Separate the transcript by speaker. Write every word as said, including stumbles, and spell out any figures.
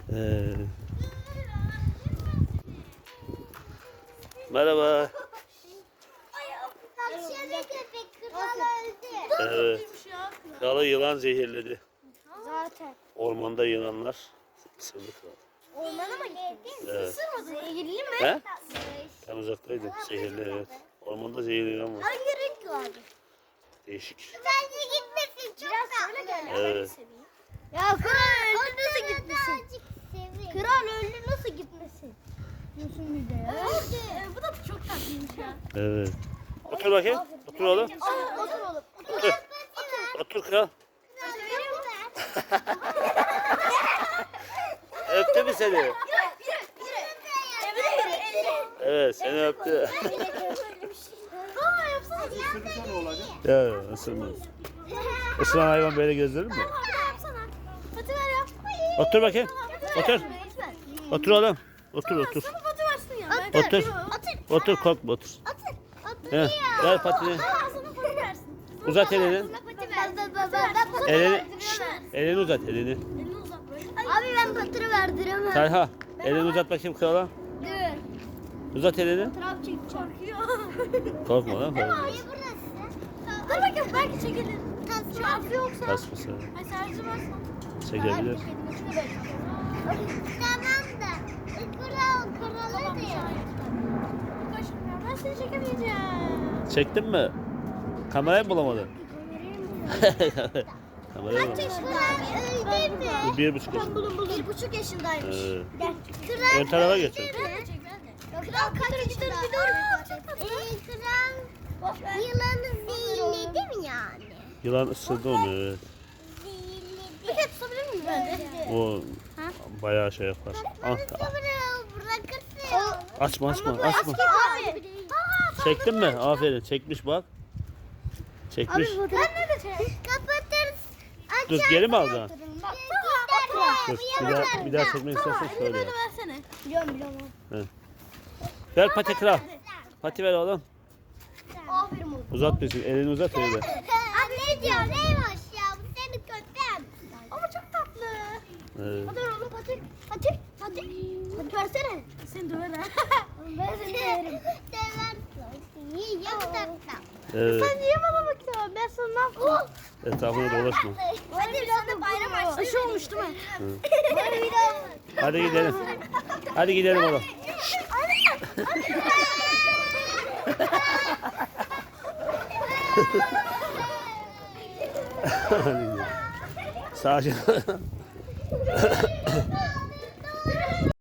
Speaker 1: Ee, merhaba.
Speaker 2: Tavşanı köpek kral öldü.
Speaker 1: Evet. Kralı yılan zehirledi.
Speaker 2: Zaten.
Speaker 1: Ormanda yılanlar ısırdı kralı.
Speaker 2: Ormana mı gittin?
Speaker 1: Evet.
Speaker 2: Isırmadı. Zehirli mi?
Speaker 1: He? Ben uzaktaydım. Zehirli, evet. Ormanda zehirli yılan var.
Speaker 2: Hangi renk vardı?
Speaker 1: Değişik.
Speaker 2: Bence gitmesin. Çok Biraz söyle gel.
Speaker 1: Evet.
Speaker 2: Ya kral öldü nasıl gitmesin? Kral öldü nasıl gitmesin? Diyorsun bir de ya. Öldü. Bu da çok tatlıymış ya.
Speaker 1: Evet. Otur bakayım. Otur oğlum.
Speaker 2: Aa, otur oğlum.
Speaker 1: Otur. Otur kral. Öptü mü seni? Evet, seni öptü.
Speaker 2: Aa yapsana.
Speaker 3: Isırırsa ne olacak?
Speaker 1: Ya ısırmaz. Isıran hayvan böyle gözlenir mi?
Speaker 2: Yapsana. Fatih ver yap.
Speaker 1: Otur bakayım. Otur. Otur oğlum. Otur otur.
Speaker 2: Sana Fatih versin ya.
Speaker 1: Otur. Otur korkma otur.
Speaker 2: Otur. Otur.
Speaker 1: He, ver patini.
Speaker 2: Aa, sana Fatih versin.
Speaker 1: Uzat elini. Elini,
Speaker 2: Şşt,
Speaker 1: elini uzat elini.
Speaker 2: elini uzat böyle. Abi ben patırı verdiremem.
Speaker 1: Talha elini uzat bakayım krala.
Speaker 2: Dur.
Speaker 1: Uzat elini.
Speaker 2: Trap çek çarpıyor.
Speaker 1: Korkma lan. korkma.
Speaker 2: Hayır burası. Dur bakayım belki çekilir. Şarkı yoksa.
Speaker 1: Kasması.
Speaker 2: Ay sadece varsa.
Speaker 1: Çekebilir.
Speaker 2: Tamam da. Kral kralı diyor. Ben seni çekemeyeceğim.
Speaker 1: Çektin mi? Kamerayı mı bulamadın? Kamerayı
Speaker 2: Kaç
Speaker 1: bulamadın.
Speaker 2: yaşında öldü mü?
Speaker 1: Bu bir buçuk yaşında.
Speaker 2: Buldum buldum. Bir buçuk yaşındaymış.
Speaker 1: Ee,
Speaker 2: Gel. Kral
Speaker 1: ön tarafa geç.
Speaker 2: öldü mü? Kral kaç yaşında? Ee, kral yılanı zehirledi mi yani?
Speaker 1: Yılan ısırdı onu. Evet.
Speaker 2: Bir kere tutabilir miyim ben de?
Speaker 1: O bayağı şey yapar. Ah, ah.
Speaker 2: Bırakırsın.
Speaker 1: Açma açma açma.
Speaker 2: Abi.
Speaker 1: Çektin mi? Aferin. Çekmiş bak. Çekmiş.
Speaker 2: Ben de çek. Kapatırız.
Speaker 1: Dur geri mi alacaksın?
Speaker 2: Bak.
Speaker 1: Dur. Bir daha, bir daha çekmek istersen şöyle yap.
Speaker 2: versene. Biliyorum biliyorum.
Speaker 1: Ver pati kral. Pati ver oğlum.
Speaker 2: Aferin oğlum.
Speaker 1: Uzat bizim. Elini uzat öyle.
Speaker 2: Abi ne diyor? Neymiş ya? Bu senin köpeğin. Ama çok tatlı.
Speaker 1: Evet.
Speaker 2: Hadi ver oğlum Fatih. Fatih. Fatih. Hadi versene. Seni döver ha. Ben seni döverim. Döversin. İyi ya bu tatlı.
Speaker 1: Evet.
Speaker 2: Sen niye bana bakıyorsun? Ben sana ne yapayım?
Speaker 1: Etrafına dolaşma.
Speaker 2: Hadi bir anda bayram açtı. Aşı olmuş değil mi?
Speaker 1: Hı.
Speaker 2: Hadi bir daha.
Speaker 1: Hadi gidelim. Hadi gidelim oğlum. Hadi gidelim. Sakin.